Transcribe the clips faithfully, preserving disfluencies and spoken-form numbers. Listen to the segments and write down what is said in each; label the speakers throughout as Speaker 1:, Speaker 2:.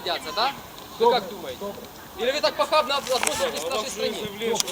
Speaker 1: гордятся, да? Вы как думаете? Или вы так похабно относитесь к нашей стране?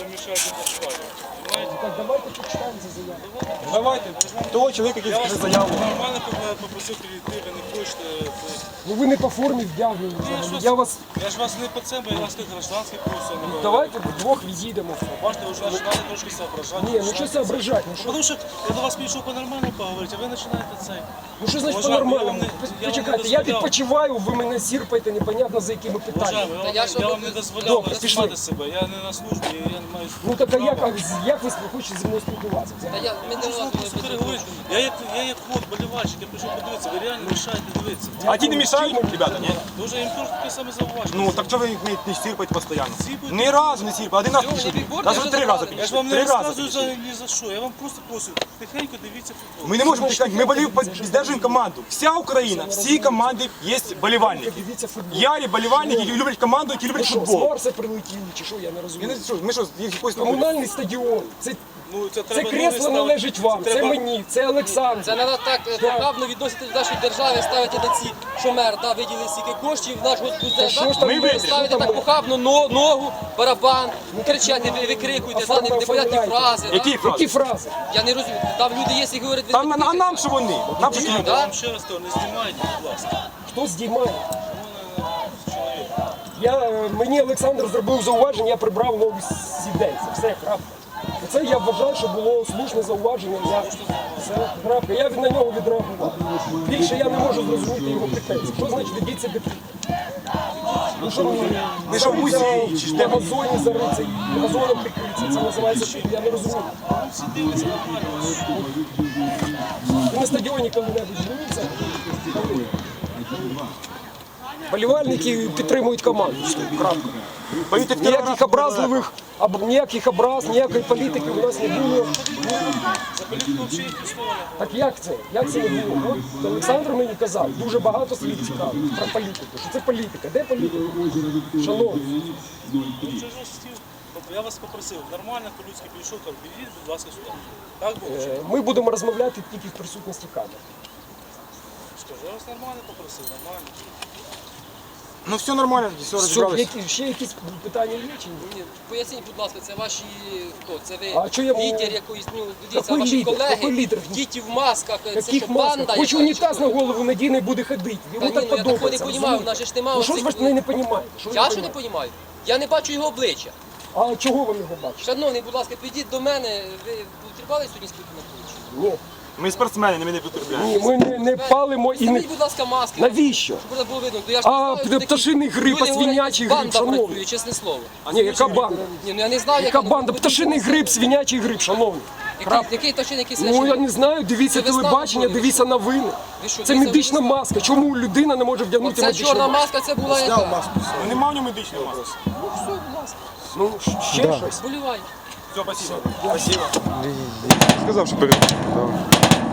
Speaker 2: Так, давайте почитаємо за заяву.
Speaker 3: Давайте, того чоловіка, який скаже заяву.
Speaker 4: Нормально попросив прийти, ви не хочете.
Speaker 2: Ну ви не по формі вдягнені. взагалі. Я вас...
Speaker 4: Я ж вас не по це, бо я вас як гражданський просив.
Speaker 2: Давайте вдвох відійдемо.
Speaker 4: Бачите, ви вже починали трошки соображати.
Speaker 2: Ні, ну що соображати? Ну, що?
Speaker 4: Тому що я до вас прийшов по-нормальному поговорити, а ви починаєте цей.
Speaker 2: Ну що значить
Speaker 4: Уважаємо,
Speaker 2: по-нормальному?
Speaker 4: я вам не- я вам
Speaker 2: Почекайте,
Speaker 4: не
Speaker 2: я
Speaker 4: дозволяв.
Speaker 2: відпочиваю, ви мене сірпаєте непонятно за якими питаннями.
Speaker 4: Уважаємо, я,
Speaker 1: я
Speaker 4: вам-
Speaker 1: що
Speaker 4: я
Speaker 1: ви-
Speaker 4: вам не дозволяв
Speaker 2: Добре,
Speaker 4: знімати
Speaker 2: пішли.
Speaker 4: себе, я не на службі, я не маю
Speaker 2: Ну так а як,
Speaker 4: права.
Speaker 2: а як ви хочете зі мною спілкуватися?
Speaker 1: Та я, ми
Speaker 4: Що
Speaker 1: не
Speaker 4: ж ви
Speaker 1: вас
Speaker 4: просто переговорите? Я як, я як вот болівальщик, я прийшов подивитися, ви реально мішаєте дивитися.
Speaker 3: А ті не мішають, ребята, ні?
Speaker 4: Дуже їм теж таке саме зауваження.
Speaker 3: Ну, так чого ви їх не, не сірпаєте постійно?
Speaker 4: Сірпаєте.
Speaker 3: Ні разу не сірпаєте, один раз
Speaker 1: Всього,
Speaker 3: пішли.
Speaker 1: не бігборди
Speaker 3: Навіть
Speaker 1: вже
Speaker 3: три
Speaker 1: забрали.
Speaker 3: рази
Speaker 4: Я ж
Speaker 3: пішли.
Speaker 4: вам не
Speaker 3: Три рази
Speaker 4: розказую за,
Speaker 3: пішли.
Speaker 4: ні за що, я вам просто просив, тихенько дивіться футбол.
Speaker 3: Ми не можемо тікати, ми болів, піддержуємо команду. Вся Україна, всі команди є болівальники.
Speaker 2: Дивіться футбол.
Speaker 3: Ярі болівальники, які люблять команду, які
Speaker 2: Ви
Speaker 3: люблять
Speaker 2: що, з
Speaker 3: футбол.
Speaker 2: Марса прилетіли, чи що, я не
Speaker 3: Я
Speaker 2: розумію.
Speaker 3: не знаю, ми що, їх якось
Speaker 2: Комунальний стадіон, це,
Speaker 4: Ну, це
Speaker 2: це
Speaker 4: треба
Speaker 2: кресло
Speaker 4: новий ставити.
Speaker 2: належить вам, це
Speaker 4: треба-
Speaker 2: мені, це Олександр.
Speaker 1: Це треба так е, похабно відносити до нашої держави, ставити на ці, що мер да, виділив стільки коштів, наш господарь,
Speaker 2: що ж там
Speaker 1: да?
Speaker 2: ми
Speaker 1: Ви ставите
Speaker 2: що там
Speaker 1: так
Speaker 2: ми?
Speaker 1: похабно но- ногу, барабан, кричати, ви викрикуєте, да,
Speaker 2: Оформ-
Speaker 1: непонятні
Speaker 2: оформляйте.
Speaker 1: фрази. да?
Speaker 3: Які
Speaker 2: Які
Speaker 3: фрази?
Speaker 2: фрази?
Speaker 1: Я не розумію, там люди є, які говорять, ви
Speaker 3: Там,
Speaker 1: не
Speaker 3: а нам що вони? Нам що
Speaker 1: Ні,
Speaker 3: вони?
Speaker 1: да?
Speaker 4: Я вам ще раз кажу, не знімайте, будь ласка.
Speaker 2: Хто здіймає? Я, е, мені Олександр зробив зауваження, я прибрав нові сідельці. Все, крапка. Це я вважаю, що було слушне зауваження. Я, все, крапка. Я від- на нього відреагував. Більше я не можу зрозуміти його претензії. Що значить ведіться до Ну що мені?
Speaker 3: Ви що, в музеї чи ж
Speaker 2: на
Speaker 3: де?
Speaker 2: газоні зариться і газоном прикриться. Це називається що? Я не розумію.
Speaker 4: Всі дивляться нормально.
Speaker 2: Ви на стадіоні коли-небудь дивіться? Болівальники підтримують команду. Крапка.
Speaker 3: Поїдьте в Кіровоград,
Speaker 2: Ніяких образливих, або ніяких образ, ніякої політики у нас не було.
Speaker 4: За політику взагалі їх не слова.
Speaker 2: Так як це? Як це не було? От Олександр мені казав, дуже багато слів цікавих про політику. Що це політика? Де політика? Шановні,
Speaker 4: Ну, що ж вас хотів? Тобто я вас попросив, нормально, по-людськи підійшов, кажу, підійдіть, будь ласка, сюди. Так було? чи ні?
Speaker 2: е, ми будемо розмовляти тільки в присутності камер.
Speaker 4: Скажу, я вас нормально попросив, нормально.
Speaker 3: Ну все нормально, все
Speaker 2: Що,
Speaker 3: розібралися.
Speaker 2: які, ще якісь питання є чи ні?
Speaker 1: Ні, Поясніть, будь ласка, це ваші хто? Це ви
Speaker 2: А що я-
Speaker 1: лідер якоїсь, ну, дивіться,
Speaker 2: Який
Speaker 1: ваші
Speaker 2: лідер?
Speaker 1: колеги,
Speaker 2: Який лідер?
Speaker 1: діти в масках, це
Speaker 2: Яких
Speaker 1: що,
Speaker 2: масках?
Speaker 1: банда?
Speaker 2: Хоч
Speaker 1: яка,
Speaker 2: унітаз
Speaker 1: чи
Speaker 2: на
Speaker 1: що?
Speaker 2: голову надійний буде ходити.
Speaker 1: Та
Speaker 2: Йому
Speaker 1: ні,
Speaker 2: так
Speaker 1: ну, я такого не
Speaker 2: подобається.
Speaker 1: розумію,
Speaker 2: розумієте?
Speaker 1: в нас же ж немає
Speaker 2: Ну що ж ви
Speaker 1: оцих-
Speaker 2: не, не розумієте? Що ви
Speaker 1: Я
Speaker 2: не
Speaker 1: що не
Speaker 2: розумієте?
Speaker 1: розумію? Я не бачу його обличчя.
Speaker 2: А чого ви його бачите?
Speaker 1: Шановний, будь ласка, підіть до мене, ви потрібали сьогодні спілкування?
Speaker 2: Ні.
Speaker 3: Ми спортсмени, ми не потребляємо.
Speaker 2: Ні, ми не, не палимо і не...
Speaker 1: Зніміть, будь ласка, маски.
Speaker 2: Навіщо?
Speaker 1: Щоб було видно. То я ж не
Speaker 2: А,
Speaker 1: знаю, хто такі.
Speaker 2: пташиний гриб,
Speaker 1: Люди
Speaker 2: а
Speaker 1: говорять,
Speaker 2: свинячий гриб,
Speaker 1: банда
Speaker 2: шановний.
Speaker 1: працює, чесне слово.
Speaker 2: Ні, яка банда?
Speaker 1: Ні, ну я не знаю,
Speaker 2: Яка
Speaker 1: вона
Speaker 2: банда?
Speaker 1: буде
Speaker 2: Пташиний
Speaker 1: бути.
Speaker 2: гриб, свинячий гриб, шановні.
Speaker 1: Який, який пташиний, який
Speaker 2: Ну я
Speaker 1: свинячий?
Speaker 2: не знаю, дивіться
Speaker 1: Це весна
Speaker 2: телебачення,
Speaker 1: виходить.
Speaker 2: дивіться новини.
Speaker 1: Ви що,
Speaker 2: Це
Speaker 1: дивіться
Speaker 2: медична
Speaker 1: весна?
Speaker 2: маска. Чому людина не може вдягнути
Speaker 1: Оця
Speaker 2: медичну
Speaker 1: чорна
Speaker 2: маску?
Speaker 1: маска, це була яка?
Speaker 3: Ну нема в ньому медичної маски.
Speaker 1: Ну все, будь ласка,
Speaker 2: Ну, ще щось.
Speaker 1: болівай.
Speaker 3: Все, спасибо. Спасибо.
Speaker 5: Сказав, що перед.